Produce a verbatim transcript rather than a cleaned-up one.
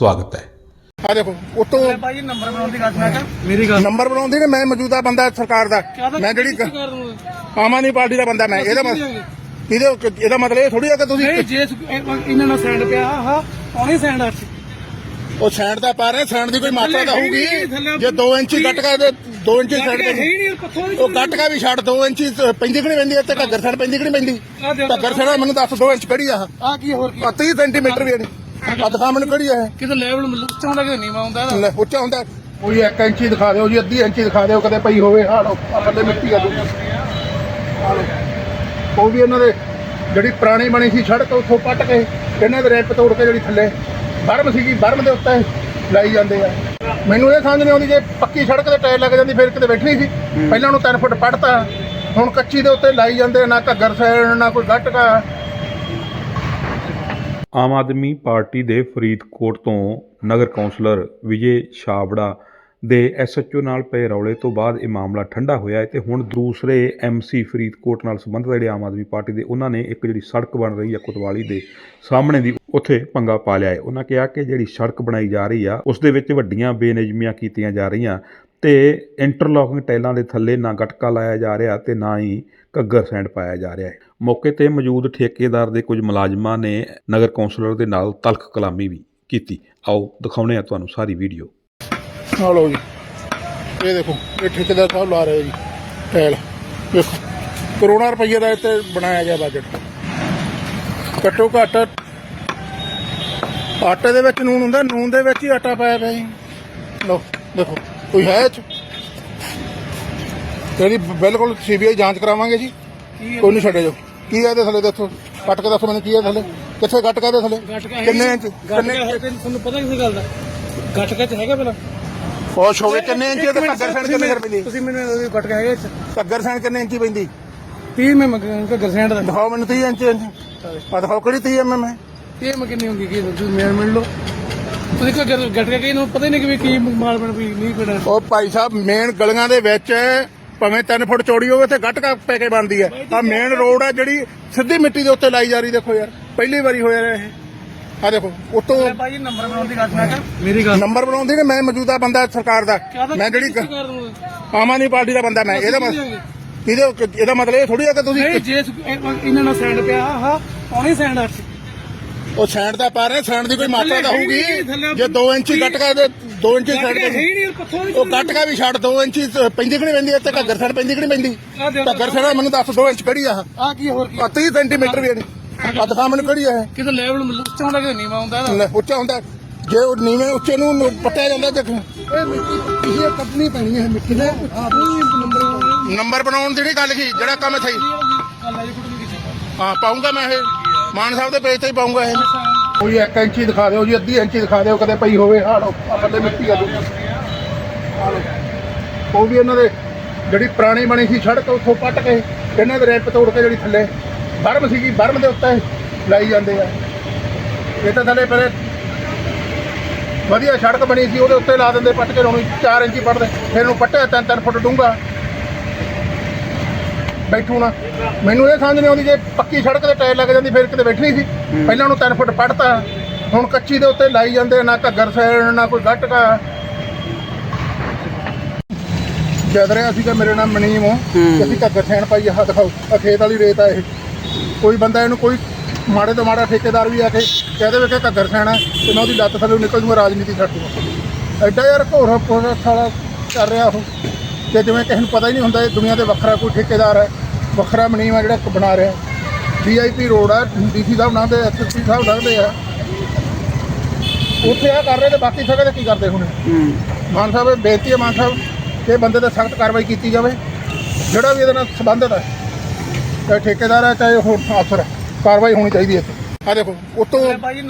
स्वागत है। ਆ ਦੇਖੋ ਉਤੋਂ ਭਾਈ ਨੰਬਰ ਬਣਾਉਣ ਦੀ ਗੱਲ ਮੈਂ ਕਿਹਾ ਮੇਰੀ ਗੱਲ ਨੰਬਰ ਬਣਾਉਂਦੀ ਨੇ। ਮੈਂ ਮੌਜੂਦਾ ਬੰਦਾ ਸਰਕਾਰ ਦਾ, ਮੈਂ ਜਿਹੜੀ ਆਮ ਆਦਮੀ ਪਾਰਟੀ ਦਾ ਬੰਦਾ। ਮੈਂ ਇਹਦਾ ਮਤਲਬ ਇਹਦੇ ਇਹਦਾ ਮਤਲਬ ਇਹ ਥੋੜੀ ਆ ਕਿ ਤੁਸੀਂ ਨਹੀਂ ਜੇ ਇਹਨਾਂ ਨਾਲ ਸੈਂਡ ਪਿਆ ਆਹ ਆਉਣੀ ਸੈਂਡ ਆ ਉਹ ਸੈਂਡ ਦਾ ਪਾ ਰਹੇ। ਸੈਂਡ ਦੀ ਕੋਈ ਮਾਤਰਾ ਤਾਂ ਹੋਊਗੀ। ਜੇ ਦੋ ਇੰਚੀ ਗੱਟ ਕਾ ਦੇ ਦੋ ਇੰਚੀ ਸਾਈਡ ਤੇ ਉਹ ਗੱਟ ਕਾ ਵੀ ਛੱਡ ਦੋ ਇੰਚੀ ਪੈਂਦੀ ਕਿ ਨਹੀਂ ਪੈਂਦੀ? ਤੇ ਘੱਗਰ ਸਾਈਡ ਪੈਂਦੀ ਕਿ ਨਹੀਂ ਪੈਂਦੀ? ਘੱਗਰ ਸਾਈਡ ਮੈਨੂੰ ਦੱਸ ਦੋ ਇੰਚ ਕਿਹੜੀ ਆ? ਆ ਕੀ ਹੋਰ ਕੀ ਤੀਹ ਸੈਂਟੀਮੀਟਰ ਵੀ ਨਹੀਂ। ਆ ਦਿਖਾ ਮੈਨੂੰ ਕਿਹੜੀ ਆ? ਕਿਤੇ ਲੈਵਲ ਉੱਚਾ ਹੁੰਦਾ ਕਿ ਨੀਵਾਂ ਹੁੰਦਾ ਇਹਦਾ? ਲੈ ਉੱਚਾ ਹੁੰਦਾ। ਕੋਈ ਇੱਕ ਇੰਚੀ ਦਿਖਾ ਦਿਓ ਜੀ, ਅੱਧੀ ਇੰਚੀ ਦਿਖਾ ਦਿਓ ਕਦੇ ਪਈ ਹੋਵੇ। ਆ ਲੋ ਆ ਥੱਲੇ ਮਿੱਟੀ ਆ ਦੂ। ਆ ਲੋ ਉਹ ਵੀ ਇਹਨਾਂ ਦੇ ਜਿਹੜੀ ਪੁਰਾਣੀ ਬਣੀ ਸੀ ਸੜਕ ਉੱਥੋਂ ਪੱਟ ਕੇ ਇਹਨਾਂ ਦੇ ਰੈਂਪ ਤੋੜ ਕੇ ਜਿਹੜੀ ਥੱਲੇ ਬਰਮ ਸੀਗੀ ਬਰਮ ਦੇ ਉੱਤੇ ਲਾਈ ਜਾਂਦੇ ਆ। ਮੈਨੂੰ ਇਹ ਸਮਝ ਨਹੀਂ ਆਉਂਦੀ ਜੇ ਪੱਕੀ ਸੜਕ ਤੇ ਟਾਇਰ ਲੱਗ ਜਾਂਦੀ ਫਿਰ ਕਿਤੇ ਬੈਠਣੀ ਸੀ। ਪਹਿਲਾਂ ਉਹਨੂੰ ਤਿੰਨ ਫੁੱਟ ਪੱਟਤਾ, ਹੁਣ ਕੱਚੀ ਦੇ ਉੱਤੇ ਲਾਈ ਜਾਂਦੇ। ਨਾ ਘੱਗਰ ਸੈਣ ਨਾ ਕੋਈ ਗੱਟਕਾ। ਆਮ ਆਦਮੀ ਪਾਰਟੀ ਦੇ ਫਰੀਦਕੋਟ ਤੋਂ ਨਗਰ ਕੌਂਸਲਰ ਵਿਜੇ ਛਾਬੜਾ ਦੇ ਐਸ ਐਚ ਓ ਨਾਲ ਪਏ ਰੌਲੇ ਤੋਂ ਬਾਅਦ ਇਹ ਮਾਮਲਾ ਠੰਡਾ ਹੋਇਆ ਹੈ ਤੇ ਹੁਣ ਦੂਸਰੇ ਐਮ ਸੀ ਫਰੀਦਕੋਟ ਨਾਲ ਸੰਬੰਧਿਤ ਜਿਹੜੇ ਆਮ ਆਦਮੀ ਪਾਰਟੀ ਦੇ ਉਹਨਾਂ ਨੇ ਇੱਕ ਜਿਹੜੀ ਸੜਕ ਬਣ ਰਹੀ ਹੈ ਕੋਤਵਾਲੀ ਦੇ ਸਾਹਮਣੇ ਦੀ ਉੱਥੇ ਪੰਗਾ ਪਾ ਲਿਆ ਹੈ। ਉਹਨਾਂ ਕਿਹਾ ਕਿ ਜਿਹੜੀ ਸੜਕ ਬਣਾਈ ਜਾ ਰਹੀ ਆ ਉਸ ਦੇ ਵਿੱਚ ਵੱਡੀਆਂ ਬੇਨਿਯਮੀਆਂ ਕੀਤੀਆਂ ਜਾ ਰਹੀਆਂ ਤੇ ਇੰਟਰਲੋਕਿੰਗ ਟਾਈਲਾਂ ਦੇ ਥੱਲੇ ਨਾ ਗਟਕਾ ਲਾਇਆ ਜਾ ਰਿਹਾ ਤੇ ਨਾ ਹੀ ਘੱਗਰ ਸੈਂਡ ਪਾਇਆ ਜਾ ਰਿਹਾ ਹੈ। ਮੌਕੇ ਤੇ ਮੌਜੂਦ ਠੇਕੇਦਾਰ ਦੇ ਕੁਝ ਮੁਲਾਜ਼ਮਾਂ ਨੇ ਨਗਰ ਕੌਂਸਲਰ ਦੇ ਨਾਲ ਤਲਖ ਕਲਾਮੀ ਵੀ ਕੀਤੀ। ਆਓ ਦਿਖਾਉਂਦੇ ਆ ਤੁਹਾਨੂੰ ਸਾਰੀ ਵੀਡੀਓ। ਆ ਲਓ ਜੀ, ਇਹ ਦੇਖੋ ਇਹ ਠੇਕੇਦਾਰ ਸਾਹਿਬ ਲਾ ਰਹੇ ਜੀ ਟਾਇਲ। ਦੇਖੋ ਕਰੋੜਾਂ ਰੁਪਈਏ ਦਾ ਇੱਥੇ ਬਣਾਇਆ ਗਿਆ ਬਜਟ। ਘੱਟੋ ਘੱਟ ਆਟੇ ਦੇ ਵਿੱਚ ਨੂਨ ਹੁੰਦਾ, ਨੂਨ ਦੇ ਵਿੱਚ ਹੀ ਆਟਾ ਪਾਇਆ ਪਿਆ ਜੀ। ਲਓ ਦੇਖੋ ਕੋਈ ਹੈ ਇਹ 'ਚ? ਇਹਦੀ ਬਿਲਕੁਲ ਸੀ ਬੀ ਆਈ ਜਾਂਚ ਕਰਾਵਾਂਗੇ ਜੀ। ਕੋਈ ਨਹੀਂ ਛੱਡੇ ਜੋ। ਕੀ ਹੈ ਇਹਦੇ ਥੱਲੇ? ਦੱਸੋ ਕੱਟ ਕੇ ਦੱਸੋ ਮੈਨੂੰ ਕੀ ਹੈ ਥੱਲੇ? ਕਿੱਥੇ ਗੱਟ ਕਾਹਦੇ ਥੱਲੇ? ਕਿੰਨੇ ਇੰਚ? ਕਿੰਨੇ ਤੁਹਾਨੂੰ ਪਤਾ ਕਿਸੇ ਗੱਲ ਦਾ? ਗਟਕਾ ਚ ਹੈਗਾ ਪਹਿਲਾਂ ਖੁਸ਼ ਹੋਵੇ ਕਿੰਨੇ ਇੰਚ? ਤੇ ਘੱਗਰ ਸੈਣ ਕਿੰਨੇ ਪੈਂਦੀ? ਤੁਸੀਂ ਮੈਨੂੰ ਗਟਕਾ ਹੈਗਾ ਇੱਥੇ ਘੱਗਰ ਸੈਣ ਕਿੰਨੇ ਇੰਚੀ ਪੈਂਦੀ? ਤੀਹ ਮੈਂ ਘੱਗਰ ਸੈਂਡ ਦਾ ਦਿਖਾਓ ਮੈਨੂੰ ਤੀਹ ਇੰਚ। ਆ ਦਿਖਾਓ ਕਿਹੜੀ ਤੀਹ ਐਮ ਐਮ ਹੈ? ਇਹ ਮੈਂ ਕਿੰਨੀ ਹੁੰਦੀ ਕੀ ਤੁਸੀਂ ਮੇਰ ਮਿਲ ਲਓ। ਤੁਸੀਂ ਘੱਗਰ ਗਟਕਾ ਕੀ ਨੂੰ ਪਤਾ ਹੀ ਨਹੀਂ ਕਿ ਕੀ ਮਾਲ ਬਣ ਵੀ ਨਹੀਂ ਪੜਾ। ਉਹ ਭਾਈ ਸਾਹਿਬ ਮੇਨ ਗਲੀਆਂ ਦੇ ਵਿੱਚ ਭਾਵੇਂ ਤਿੰਨ ਫੁੱਟ ਚੌੜੀ ਹੋਵੇ ਤੇ ਗੱਟਕਾ ਪੈ ਕੇ ਬਣਦੀ ਹੈ। ਆ ਮੇਨ ਰੋਡ ਹੈ ਜਿਹੜੀ ਸਿੱਧੀ ਮਿੱਟੀ ਦੇ ਉੱਤੇ ਲਾਈ ਜਾ ਰਹੀ। ਦੇਖੋ ਯਾਰ ਪਹਿਲੀ ਵਾਰੀ ਹੋਇਆ ਇਹ। ਆ ਦੇਖੋ ਉਤੋਂ ਭਾਈ ਨੰਬਰ ਬਣਾਉਣ ਦੀ ਗੱਲ ਮੈਂ ਕਿਹਾ ਮੇਰੀ ਗੱਲ ਨੰਬਰ ਬਣਾਉਂਦੀ ਨੇ। ਮੈਂ ਮੌਜੂਦਾ ਬੰਦਾ ਸਰਕਾਰ ਦਾ, ਮੈਂ ਜਿਹੜੀ ਆਮ ਆਦਮੀ ਪਾਰਟੀ ਦਾ ਬੰਦਾ। ਮੈਂ ਇਹਦਾ ਮਤਲਬ ਇਹਦੇ ਇਹਦਾ ਮਤਲਬ ਇਹ ਥੋੜੀ ਆ ਕਿ ਤੁਸੀਂ ਨਹੀਂ ਜੇ ਇਹਨਾਂ ਨਾਲ ਸੈਂਡ ਪਿਆ ਆਹ ਆਉਣੀ ਸੈਂਡ ਆ ਉਹ ਸੈਂਡ ਦਾ ਪਾ ਰਹੇ। ਸੈਂਡ ਦੀ ਕੋਈ ਮਾਤਰਾ ਤਾਂ ਹੋਊਗੀ। ਜੇ ਦੋ ਇੰਚੀ ਗੱਟਕਾ ਦੇ ਦੋ ਇੰਚੀ ਸਾਈਡ ਤੇ ਉਹ ਗੱਟਕਾ ਵੀ ਛੱਡ ਦੋ ਇੰਚੀ ਪੈਂਦੀ ਕਿ ਨਹੀਂ ਪੈਂਦੀ? ਤੇ ਘੱਗਰ ਸਾਈਡ ਪੈਂਦੀ ਕਿ ਨਹੀਂ ਪੈਂਦੀ? ਘੱਗਰ ਸਾਈਡ ਮੈਨੂੰ ਦੱਸ ਦੋ ਇੰਚ ਕਿਹੜੀ ਆ? ਆ ਕੀ ਹੋਰ ਕੀ ਤੀਹ ਸੈਂਟੀਮੀਟਰ ਵੀ ਨਹੀਂ। ਆ ਦਿਖਾ ਮੈਨੂੰ ਕਿਹੜੀ ਆ? ਕਿਤੇ ਲੈਵਲ ਉੱਚਾ ਹੁੰਦਾ ਕਿ ਨੀਵਾਂ ਹੁੰਦਾ ਇਹਦਾ? ਲੈ ਉੱਚਾ ਹੁੰਦਾ। ਜੇ ਉਹ ਨੀਵੇਂ ਉੱਚੇ ਨੂੰ ਪੱਟਿਆ ਜਾਂਦਾ ਦੇਖ। ਇਹ ਮਿੱਟੀ ਇਹ ਕੱਢਣੀ ਪੈਣੀ ਹੈ ਮਿੱਟੀ ਦੇ। ਨੰਬਰ ਬਣਾਉਣ ਦੀ ਨਹੀਂ ਗੱਲ ਸੀ, ਜਿਹੜਾ ਕੰਮ ਸਹੀ ਹਾਂ ਪਾਉਂਗਾ ਮੈਂ। ਇਹ ਮਾਨ ਸਾਹਿਬ ਦੇ ਪੇਜ ਤੇ ਹੀ ਪਾਉਂਗਾ। ਇਹ ਕੋਈ ਇੱਕ ਇੰਚੀ ਦਿਖਾ ਦਿਓ ਜੀ, ਅੱਧੀ ਇੰਚੀ ਦਿਖਾ ਦਿਓ ਕਦੇ ਪਈ ਹੋਵੇ। ਆ ਲੋ ਆ ਥੱਲੇ ਮਿੱਟੀ ਆ ਦੂ। ਆ ਲੋ ਉਹ ਵੀ ਇਹਨਾਂ ਦੇ ਜਿਹੜੀ ਪੁਰਾਣੀ ਬਣੀ ਸੀ ਸੜਕ ਉੱਥੋਂ ਪੱਟ ਕੇ ਇਹਨਾਂ ਦੇ ਰੈਂਪ ਤੋੜ ਕੇ ਜਿਹੜੀ ਥੱਲੇ ਬਰਮ ਸੀਗੀ ਬਰਮ ਦੇ ਉੱਤੇ ਲਾਈ ਜਾਂਦੇ ਆ। ਇਹ ਤਾਂ ਥੱਲੇ ਪਹਿਲੇ ਵਧੀਆ ਸੜਕ ਬਣੀ ਸੀ ਉਹਦੇ ਉੱਤੇ ਲਾ ਦਿੰਦੇ ਪੱਟ ਕੇ। ਉਹਨੂੰ ਚਾਰ ਇੰਚੀ ਪੱਟਦੇ ਫਿਰ ਉਹਨੂੰ ਪੱਟਿਆ ਤਿੰਨ ਤਿੰਨ ਫੁੱਟ ਡੂੰਘਾ ਬੈਠੂ ਨਾ। ਮੈਨੂੰ ਇਹ ਸਮਝ ਨਹੀਂ ਆਉਂਦੀ ਜੇ ਪੱਕੀ ਸੜਕ ਤੇ ਟਾਇਰ ਲੱਗ ਜਾਂਦੀ ਫਿਰ ਕਿਤੇ ਬੈਠਣੀ ਸੀ। ਪਹਿਲਾਂ ਉਹਨੂੰ ਤਿੰਨ ਫੁੱਟ ਪੱਟਤਾ, ਹੁਣ ਕੱਚੀ ਦੇ ਉੱਤੇ ਲਾਈ ਜਾਂਦੇ। ਨਾ ਘੱਗਰ ਸੈਣ ਨਾ ਕੋਈ ਗੱਟਕਾ। ਜਦ ਰਿਹਾ ਸੀਗਾ ਮੇਰੇ ਨਾਲ ਮਨੀਮ ਅਸੀਂ ਘੱਗਰ ਸੈਣ ਪਾਈ। ਆਹ ਦਿਖਾਓ ਆ ਖੇਤ ਵਾਲੀ ਰੇਤ ਆ ਇਹ। ਕੋਈ ਬੰਦਾ ਇਹਨੂੰ ਕੋਈ ਮਾੜੇ ਤੋਂ ਮਾੜਾ ਠੇਕੇਦਾਰ ਵੀ ਆ ਕੇ ਕਹਿ ਦੇਵੇ ਕਿ ਘੱਗਰ ਸੈਣਾ ਤੇ ਮੈਂ ਉਹਦੀ ਲੱਤ ਥੱਲੇ ਨਿਕਲ ਜੂਗਾ, ਰਾਜਨੀਤੀ ਛੱਡ ਦੂਗਾ। ਐਡਾ ਯਾਰ ਘੋਰ ਪੋਰਾ ਸਾਲਾ ਕਰ ਰਿਹਾ ਉਹ ਕਿ ਜਿਵੇਂ ਕਿਸੇ ਨੂੰ ਪਤਾ ਹੀ ਨਹੀਂ ਹੁੰਦਾ ਇਹ ਦੁਨੀਆ ਤੇ ਵੱਖਰਾ ਕੋਈ ਠੇਕੇਦਾਰ ਹੈ, ਵੱਖਰਾ ਮਨੀਮ ਆ ਜਿਹੜਾ ਬਣਾ ਰਿਹਾ। ਵੀ ਆਈ ਪੀ ਰੋਡ ਆ, ਡੀ ਸੀ ਸਾਹਿਬ ਨਾਮ ਦੇ ਐਸ ਐਸ ਪੀ ਸਾਹਿਬ ਲੱਗਦੇ ਆ ਉੱਥੇ ਆ ਕਰ ਰਹੇ ਤੇ ਬਾਕੀ ਸਗੋਂ ਤੇ ਕੀ ਕਰਦੇ ਹੁਣ? ਮਾਨ ਸਾਹਿਬ ਬੇਨਤੀ ਹੈ ਮਾਨ ਸਾਹਿਬ ਕਿ ਬੰਦੇ ਤੇ ਸਖਤ ਕਾਰਵਾਈ ਕੀਤੀ ਜਾਵੇ ਜਿਹੜਾ ਵੀ ਇਹਦੇ ਨਾਲ ਸੰਬੰਧਿਤ ਹੈ, ਚਾਹੇ ਠੇਕੇਦਾਰ ਹੈ ਚਾਹੇ ਹੋਰ ਅਫਸਰ ਹੈ। ਕਾਰਵਾਈ ਹੋਣੀ ਚਾਹੀਦੀ ਹੈ ਇੱਥੇ। ਆ ਦੇਖੋ ਉਤੋਂ